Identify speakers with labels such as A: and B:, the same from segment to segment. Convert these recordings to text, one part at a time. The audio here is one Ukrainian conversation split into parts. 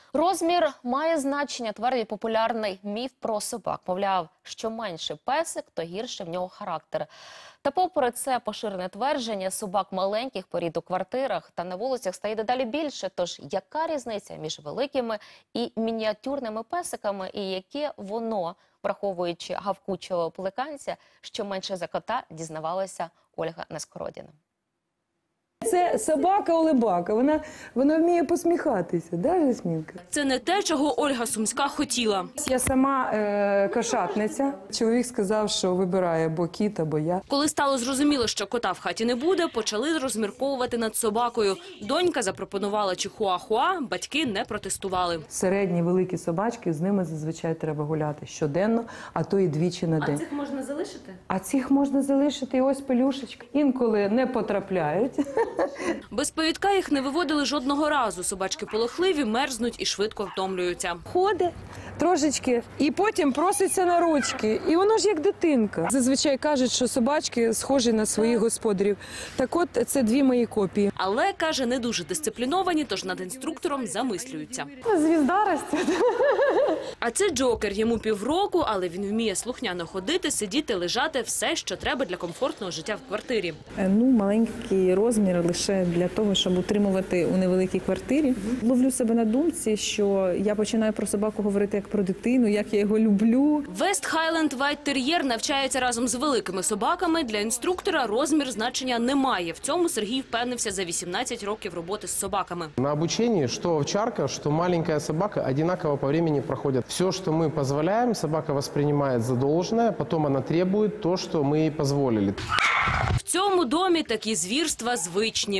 A: Розмір має значення, твердить популярний міф про собак. Мовляв, що менше песик, то гірше в нього характер. Та попри це поширене твердження, собак маленьких порід у квартирах та на вулицях стає дедалі більше. Тож яка різниця між великими і мініатюрними песиками, і яке воно, враховуючи гавкучого пеликанця, що менше за кота, дізнавалася Ольга Нескородіна.
B: Це собака-улибака, вона вміє посміхатися, да, Жасмінка?
C: Це не те, чого Ольга Сумська хотіла.
B: Я сама кошатниця. Чоловік сказав, що вибирає або кіт, або я.
C: Коли стало зрозуміло, що кота в хаті не буде, почали розмірковувати над собакою. Донька запропонувала чихуахуа, батьки не протестували.
B: Середні, великі собачки, з ними зазвичай треба гуляти щоденно, а то і двічі на день.
C: А цих можна залишити?
B: А цих можна залишити, і ось пелюшечка. Інколи не потрапляють.
C: Без повідка їх не виводили жодного разу. Собачки полохливі, мерзнуть і швидко втомлюються.
B: Ходить трошечки і потім проситься на ручки. І воно ж як дитинка. Зазвичай кажуть, що собачки схожі на своїх господарів. Так от, це дві мої копії.
C: Але, каже, не дуже дисципліновані, тож над інструктором замислюються.
B: Звізда росте.
C: А це Джокер. Йому півроку, але він вміє слухняно ходити, сидіти, лежати – все, що треба для комфортного життя в квартирі.
D: Маленький розмір лише для того, щоб утримувати у невеликій квартирі. Ловлю себе на думці, що я починаю про собаку говорити як про дитину, як я його люблю.
C: Вест Хайленд Вайт Тер'єр навчається разом з великими собаками. Для інструктора розмір значення не має. В цьому Сергій впевнився за 18 років роботи з собаками.
E: На обучении, что овчарка, что маленькая собака одинаково по времени проходят. Все, что мы позволяем, собака воспринимает за должное, потом она требует то, что мы ей позволили.
C: В цьому домі такі звірства звичні.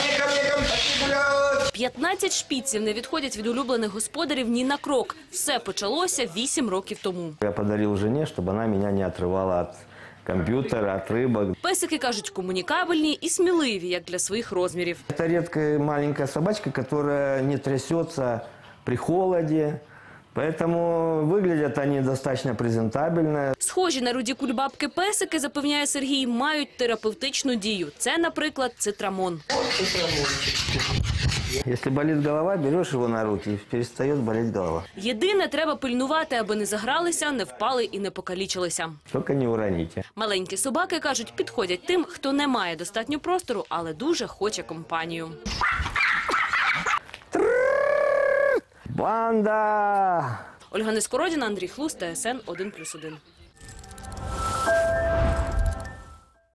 C: 15 шпіців не відходять від улюблених господарів ні на крок. Все почалося 8 років тому.
F: Я подарил жене, чтобы она меня не отрывала от компьютера, от рыбок.
C: Песики, кажуть, комунікабельні і сміливі, як для своїх розмірів.
F: Это редкая маленькая собачка, которая не трясется при холоде. Поэтому выглядят они достаточно презентабельно.
C: Схожі на руді кульбабки песики, запевняє Сергій, мають терапевтичну дію. Це, наприклад, цитрамон.
F: Если болит голова, берешь его на руки, и перестает болеть голова.
C: Єдине, треба пильнувати, аби не загралися, не впали і не покалічилися.
F: Только не уроните.
C: Маленькі собаки, кажуть, підходять тим, хто не має достатньо простору, але дуже хоче компанію.
F: Банда!
C: Ольга Нескородіна, Андрій Хлус, ТСН 1+1.